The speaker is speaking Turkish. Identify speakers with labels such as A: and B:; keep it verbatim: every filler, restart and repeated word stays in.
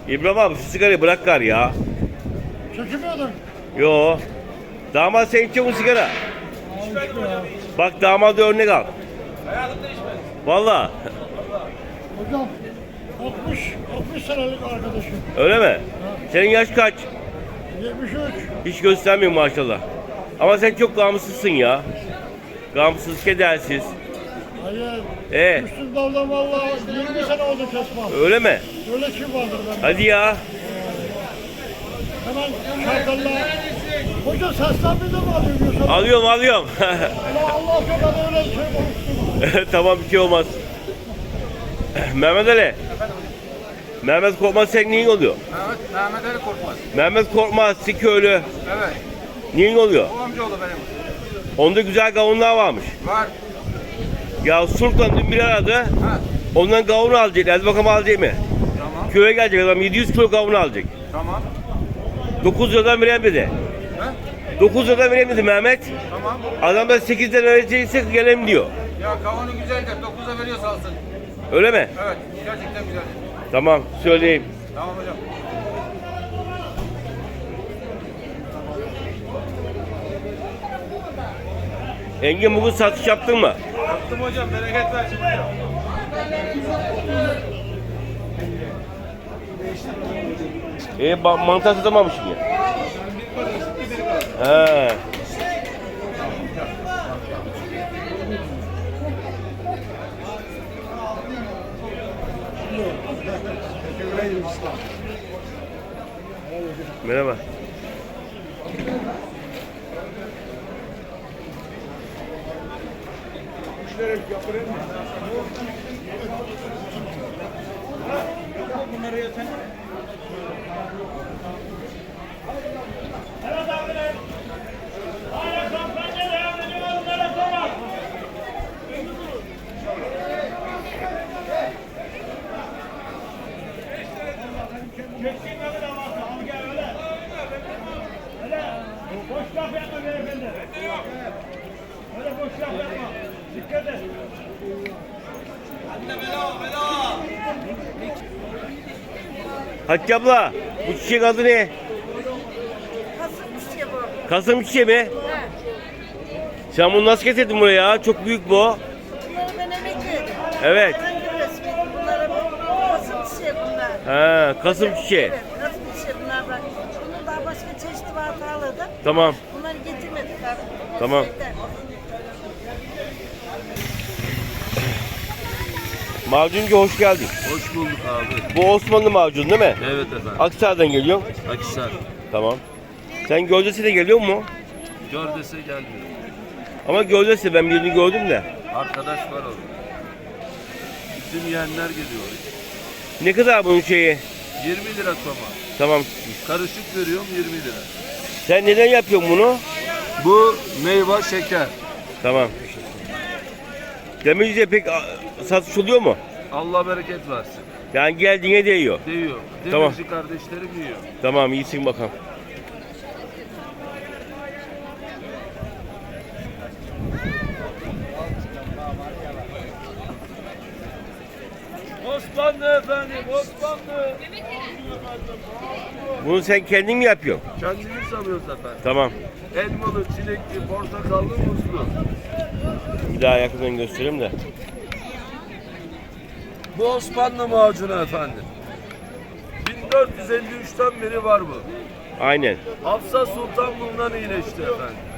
A: İbrahim abi şu sigarayı bırak gari ya.
B: Çekemiyordun.
A: Yo. Damat sen içiyor musun sigara? Bak damadı örnek al. Valla.
B: Hocam altmış altmış senelik arkadaşım.
A: Öyle mi? Senin yaş kaç?
B: yetmiş üç.
A: Hiç göstermiyor maşallah. Ama sen çok gamsızsın ya. Gamsız, kedersiz.
B: Hayır.
A: Ee?
B: Üstün daldan valla yirmi sene oldu kesmem.
A: Öyle mi?
B: Öyle kim vardır bende?
A: Hadi ya.
B: Hemen şarkılarla. Hoca seslenme de mi alıyorsun?
A: Alıyorum alıyorum.
B: Allah Allah sana öyle şey konuştum.
A: Tamam bir şey olmaz. Mehmet Ali. Mehmet Korkmaz senin neyin oluyor?
C: Evet, Mehmet Ali Korkmaz.
A: Mehmet Korkmaz Siköylü.
C: Evet,
A: Neyin oluyor?
C: o amcaoğlu benim.
A: Onda güzel gavunlar varmış.
C: Var.
A: Ya Sultan dün bir aradı.
C: Ha,
A: Ondan gavunu alacak. Hadi bakalım alacak mı?
C: tamam,
A: Köye gelecek adam yedi yüz kilo gavunu alacak.
C: tamam.
A: dokuz liradan vereyim dedi.
C: He,
A: dokuz liradan vereyim dedi Mehmet.
C: tamam.
A: Adam da sekiz lira verecekse gelelim diyor.
C: Ya kavunu güzeldir, dokuza veriyorsa alsın.
A: Öyle mi?
C: Evet, gerçekten güzel.
A: Tamam söyleyeyim.
C: Tamam hocam.
A: Engin bugün satış yaptın mı?
C: Yaptım hocam, bereket versin hocam.
A: E ba- mantar satamamışsın ya. He. Merhaba.
B: Boş laf yapma beyefendi. Öyle boş laf yapma. Dikkat et.
A: Hatice abla, bu çiçek adı ne?
D: Kasım çiçeği bu.
A: Kasım çiçeği mi?
D: He.
A: Sen bunu nasıl getirdin buraya ya? Çok büyük bu.
D: Bunları ben emekledim.
A: Evet.
D: Herhangi bir resmi. Bunlara kasım çiçeği bunlar.
A: He, Kasım çiçeği.
D: Evet, kasım çiçeği bunlar bak. Bunun daha başka çeşitli var tarlada.
A: Tamam.
D: Bunları getirmedik abi.
A: Tamam.
D: Şeyden.
A: Macuncu hoş geldin.
E: Hoş bulduk abi.
A: Bu Osmanlı macun değil mi?
E: Evet efendim.
A: Aksaray'dan geliyor.
E: Akhisar.
A: Tamam. Sen Göldesi de geliyor mu?
E: Gördese gelmiyor.
A: Ama Göldesi ben birini gördüm de.
E: Arkadaş var orada. Bizim yeğenler geliyor.
A: Ne kadar bunun şeyi?
E: yirmi lira soma.
A: Tamam.
E: Karışık veriyorum yirmi lira.
A: Sen neden yapıyorsun bunu?
E: Bu meyve şeker.
A: Tamam. Demirci'de pek a, satış oluyor mu?
E: Allah bereket versin.
A: Yani geldiğine değiyor.
E: Değiyor.
A: Tamam.
E: Demirci kardeşlerim yiyor.
A: Tamam iyisin bakalım.
E: Osmanlı efendim, Osmanlı.
A: Bunu sen kendin mi yapıyorsun?
E: Kendimiz alıyoruz efendim.
A: Tamam.
E: Elmalı, çilekli, portakallı, muzlu.
A: Bir daha yakından göstereyim de.
E: Bu Osmanlı macunu efendim. bin dört yüz elli üçten beri var bu.
A: Aynen.
E: Hafsa Sultan bundan iyileşti efendim.